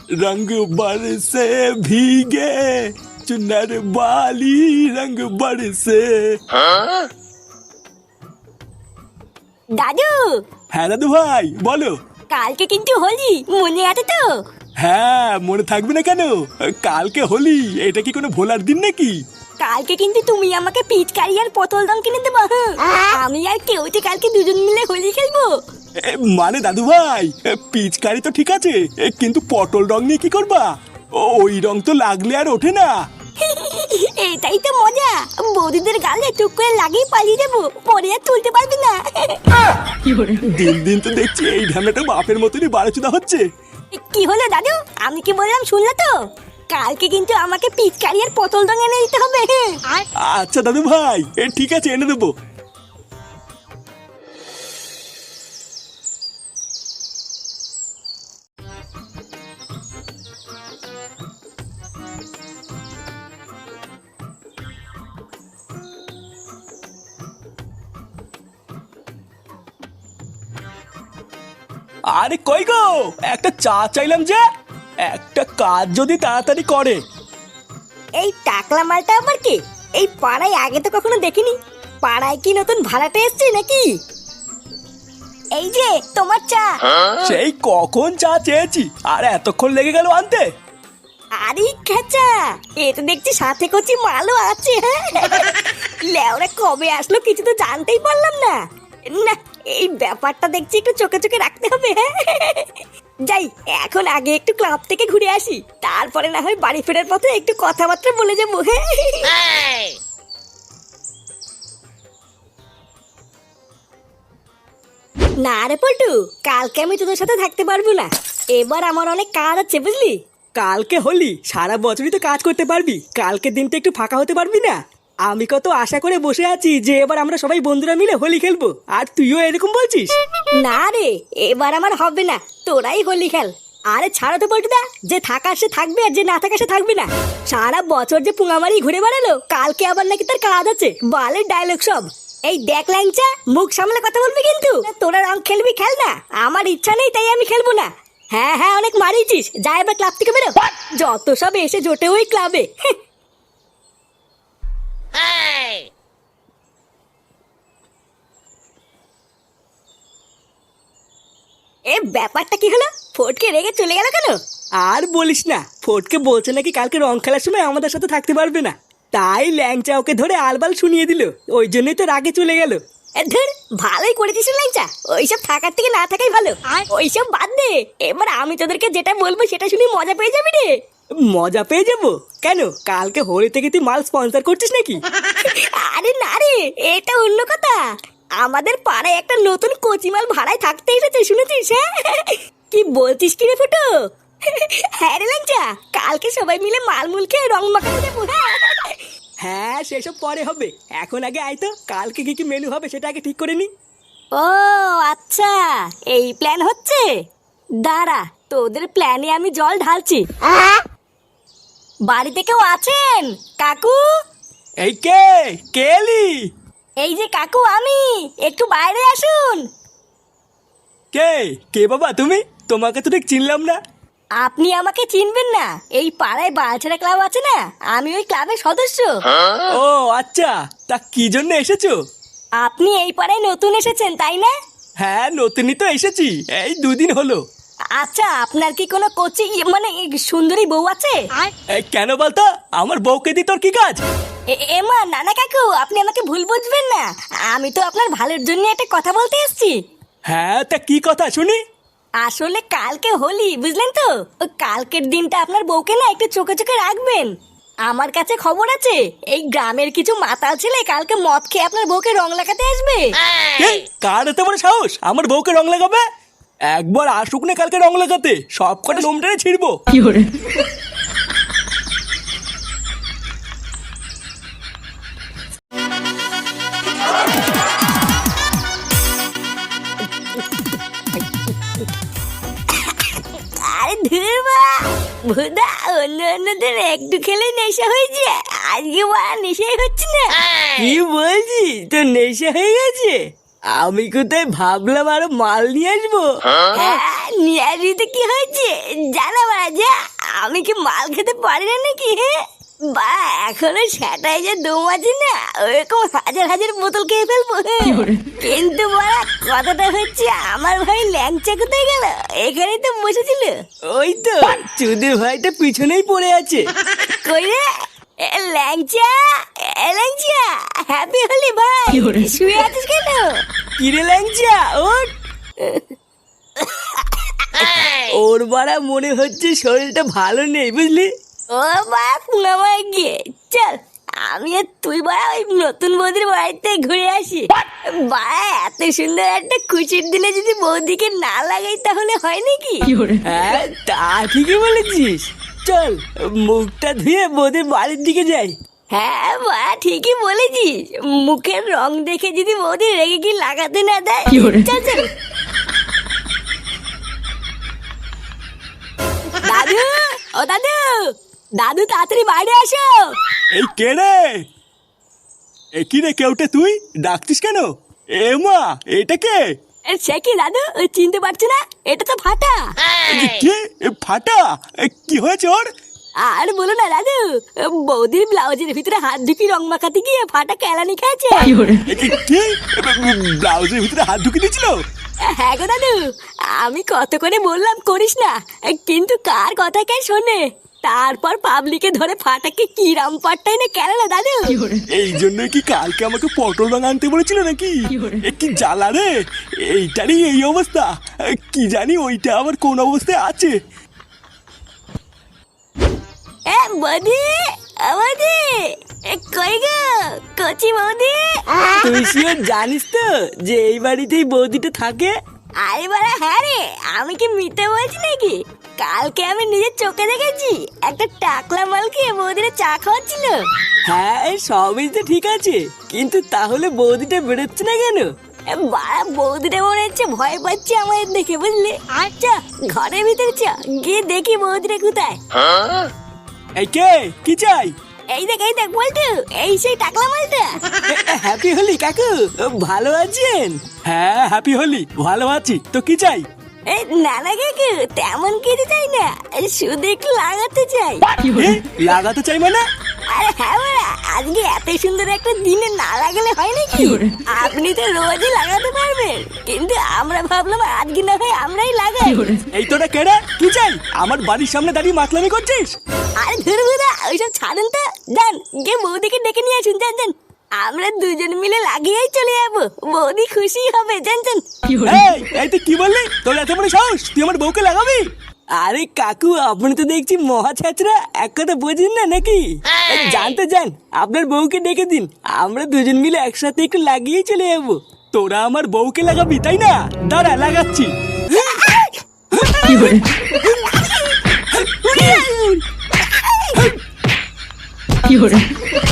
रंग बरसे भीगे चुनर वाली रंग बरसे। দাদু। হ্যাঁ দাদু ভাই বলো। কালকে কিন্তু হোলি, মনে আছে তো? হ্যাঁ মনে থাকবে না কেন, কালকে হোলি, এটা কি কোনো ভোলার দিন নাকি? কালকে কিন্তু তুমি আমাকে পিচকারি আর পটল রং কিনে দেবো। আমি আর কেউতে কালকে দুজন মিলে হোলি খেলবো। মানে দাদু ভাই, পিচকারি তো ঠিক আছে, কিন্তু পটল রং নিয়ে কি করবা? ওই রং তো লাগলে আর ওঠে না। এটাই তো মজা, বৌদিদের গালে টুক করে লাগিয়ে পালিয়ে যাবো, পরে আর তুলতে পারবি না। দিন দিন তো দেখছি এই ঢামেটা বাপের মতনই বাড়াচুদা হচ্ছে। কি হলো দাদু, আমি কি বললাম শুনলে তো? কালকে কিন্তু আমাকে পিচকারি আর পটল রং এনে দিতে হবে। আচ্ছা দাদু ভাই, ঠিক আছে এনে দেবো। আরে কই গো, একটা চা চাইলাম যে, একটা কাজ যদি তাড়াতাড়ি করে। এই টাকলা মালটা আবার কি? এই পাড়ায় আগে তো কখনো দেখিনি। পাড়ায় কি নতুন ভাড়াটে এসছে নাকি? এই যে তোমার চা। সেই কখন চা চেয়েছি, আর এতক্ষণ লেগে গেল আনতে? আরে খেচা, এ তো দেখছি সাথে কচি মালও আছে। হ্যাঁ, লেওরা কবে আসলো কিছু তো জানতেই পারলাম না। না, এই ব্যাপারটা দেখছি একটু চোখে চোখে রাখতে হবে। যাই, এখন আগে একটু ক্লাব থেকে ঘুরে আসি, তারপরে না হয় বাড়ি ফেরার পথে একটু কথাবার্তা বলে যাবো। না রে পল্টু, কালকে আমি তোদের সাথে থাকতে পারবো না। এবার আমার অনেক কাজ আছে বুঝলি। কালকে হোলি, সারা বছরই তো কাজ করতে পারবি, কালকে দিনটা একটু ফাঁকা হতে পারবি না? আমি কত আশা করে বসে আছি যে এবার আমরা সবাই বন্ধুরা মিলে হোলি খেলবো, আর তুইও এরকম বলছিস? না রে, এবার আমার হবে না, তোরাই হোলি খেল। আরে ছাড়ো তো পল্টুদা, যে থাকার সে থাকবে আর যে না থাকার সে থাকবে না। সারা বছর যে পুঙামারি ঘুরে বেড়ালো, কালকে আবার নাকি তার কাজ আছে, বালের ডায়লগ সব। এই দেখ ল্যাংচা, মুখ সামলে কথা বলবি কিন্তু। তোরা রং খেলবি খেল না, আমার ইচ্ছা নেই তাই আমি খেলবো না। হ্যাঁ হ্যাঁ, অনেক মারিয়েছিস, যা এবার ক্লাব থেকে বেরো। যত সব এসে জোটে ওই ক্লাবে। এ ব্যাপারটা কি হলো? ফটকে রেগে চলে গেল কেন? আর বলিস না, ফটকে বলছে নাকি কালকে রং খেলার সময় আমাদের সাথে থাকতে পারবে না, তাই ল্যাংচা ওকে ধরে আলবাল শুনিয়ে দিল, ওই জন্যই তো রাগে চলে গেল। ধর, ভালোই করেছিস ল্যাংচা, ওইসব থাকার থেকে না থাকাই ভালো। ওইসব বাদ দে, এবার আমি তোদেরকে যেটা বলবো সেটা শুনে মজা পেয়ে যাবি রে। মজা পেয়ে যাবো কেন? কালকে হোলি থেকে তুই মাল স্পন্সর করছিস নাকি? আরে না রে, এটা অন্য কথা। আমাদের পাড়ায় একটা নতুন কচিমাল ভাড়ায় থাকতে এসেছে, শুনেছিস? হ্যাঁ, কি বলছিস কি রে ফুটো? হ্যাঁ রে ল্যাংচা, কালকে সবাই মিলে মালমুল খেয়ে রং মাখাতে যাবো। হ্যাঁ সেসব পরে হবে, এখন আগে আয় তো, কালকে কি কি মেনু হবে সেটা আগে ঠিক করে নি। ও আচ্ছা, এই প্ল্যান হচ্ছে। দাঁড়া, তোদের প্ল্যানে আমি জল ঢালছি। বাড়িতে কেউ আছেন কাকু? এই কে কে এলি? এই যে কাকু আমি, একটু বাইরে আসুন। কে কে বাবা তুমি? তোমাকে তো ঠিক চিনলাম না। আপনি আমাকে চিনবেন না? এই পাড়ায় বালছেড়া ক্লাব আছে না, আমি ওই ক্লাবের সদস্য। ও আচ্ছা, তা কি জন্য এসেছো? আপনি এই পাড়ায় নতুন এসেছেন তাই না? হ্যাঁ নতুনই তো এসেছি, এই 2 দিন হলো। আচ্ছা, আপনার কি কোনো কোচি মানে সুন্দরী বউ আছে? এই কেন বলতো, আমার বউকে দি তোর কি কাজ? এমা না না কাকু, আপনি আমাকে ভুল বুঝবেন না, আমি তো আপনার ভালোর জন্য একটা কথা বলতে এসেছি। হ্যাঁ তা কি কথা শুনি? আসলে কালকে হোলি, বুঝলেন তো? ওই কালকের দিনটা আপনার বউকে না একটু চোখে চোখে রাখবেন। আমার কাছে খবর আছে, এই গ্রামের কিছু মাতাল ছেলে কালকে মদ খেয়ে আপনার বউকে রং লাগাতে আসবে। এই, কার এত বড় সাহস আমার বউকে রং লাগাবে? একবার আসুক না কালকে রং লাগাতে, সব কটা লোম টেনে ছিড়বো। আরে ধুরবা ভুদা, অন্য অন্যদের একটু খেলে নেশা হয়ে যায়, আজকে বা নেশাই হচ্ছে না। কি বলছিস, তোর নেশা হয়ে গেছে? আমি কোথায় ভাবলাম আরো মাল নিয়ে আসবো। হ্যাঁ, নিয়ে আসবি তো কি হয়েছে, জানা যা আমি কি মাল খেতে পারি না নাকি? হ্যাঁ বা এখনো সেটাই যে দম আছে না, ওরকম হাজার হাজার বোতল খেয়ে ফেলবো। কিন্তু বড়া কথাটা হচ্ছে, আমার ভাই ল্যাংচা কোথায় গেল? এখানেই তো বসেছিল। ওই তো চুদির ভাইটা পিছনেই পড়ে আছে। কই রে ল্যাংচা, ল্যাংচা, হ্যাপি হলি ভাই, শুয়ে আছিস কেন? কিরে ল্যাংচা ওঠ। ওর বাড়া মনে হচ্ছে শরীরটা ভালো নেই বুঝলি। ও বা পুনামায় গিয়ে চল, আমি আর তুই বাড়া ওই নতুন বৌদির বাড়িতে ঘুরে আসি। বাড়া এত সুন্দর একটা খুশির দিনে যদি বৌদিকে না লাগাই তাহলে হয় নাকি? হ্যাঁ তা ঠিকই বলেছিস, চল মুখটা ধুয়ে বৌদির বাড়ির দিকে যাই। হ্যাঁ বা ঠিকই বলেছিস, মুখের রং দেখে যদি বৌদি রেগে কি লাগাতে না দেয়। চল চল। দাদু, ও দাদু, দাদু তাড়াতাড়ি বাইরে আসো। এই কে রে? এ কি রে, কেউটে তুই ডাকতিস কেন? এ মা, এটা কে? সে কি দাদু, চিনতে পারছো না? এটা তো ফাটা। কে? ফাটা? কি হয়েছে ওর? আর বলো না দাদু, বৌদির ব্লাউজের ভিতরে হাত ঢুকি রং মাখাতে গিয়ে ফাটা কেলানি খেয়েছে। কি? ব্লাউজের ভিতরে হাত ঢুকিয়ে দিয়েছিল? হ্যাঁ গো দাদু, আমি কত করে বললাম করিস না, কিন্তু কার কথা কে শোনে? তারপর পাবলিকে ধরে ফাটাকে কি রামপাটটাই না কেন দাদু। এই জন্যই কি কালকে আমাকে পটল রং আনতে বলেছিল নাকি? কি জ্বালা রে, এইটারই এই অবস্থা। কি জানি ওইটা আবার কোন অবস্থায় আছে। বৌদি, বৌদি, কই গো কচি বৌদি? তুই শিওর জানিস তো যে এই বাড়িতেই বৌদিটা থাকে? আরে বাড়া হ্যাঁ রে, আমি কি মিথ্যে বলছি নাকি? কালকে আমি নিজের চোখে দেখেছি, একটা টাকলা মালকে বৌদিরা চা খাওয়াচ্ছিল। হ্যাঁ এই সবই তো ঠিক আছে, কিন্তু তাহলে বৌদিটা বেরোচ্ছে না কেন? বাড়া বৌদিটা মনে হচ্ছে ভয় পাচ্ছে আমাদের দেখে, বুঝলি? আচ্ছা ঘরের ভিতরে চ, গিয়ে দেখি বৌদিটা কোথায়। এই কে, কি চাই? এই দেখ বলতো, এই সেই টাকলা মালটা। হ্যাপি হলি কাকু, ভালো আছেন? হ্যাঁ হ্যাপি হলি, ভালো আছি। তো কি চাই? এই নানা কাকু তেমন কিছু চাই না, শুধু একটু লাগাতে চাই। এ, লাগাতে চাই মানে? আরে হ্যাঁ বাড়া, আজকে এত সুন্দর একটা দিনে না লাগালে হয় নাকি? আপনি তো রোজই লাগাতে পারবেন, কিন্তু আমরা ভাবলাম আজকে না হয় আমরাই লাগাই। এই তোরা কেডা, কি চাই? আমার বাড়ির সামনে দাঁড়িয়ে মাতলামি করছিস? আরে ধুরবুদা, ওইসব ছাড়েন তো, যান গিয়ে বৌদিকে ডেকে নিয়ে আসুন, যান যান। আমরা দুজন মিলে লাগিয়েই চলে যাবো, বৌদি খুশি হবে, যান যান। এই তুই কি বললি? তোর এত বড় সাহস, তুই আমার বউকে লাগাবি? আরে কাকু আপনি তো দেখছি মহা ছাত্রা, এক কথা বোঝেন না নাকি? জানতে যান, আপনার বউকে ডেকে দিন, আমরা দুজন মিলে একসাথে একটু লাগিয়েই চলে যাবো। তোরা আমার বউকে লাগাবি তাই না? দাঁড়া লাগাচ্ছি। কি hore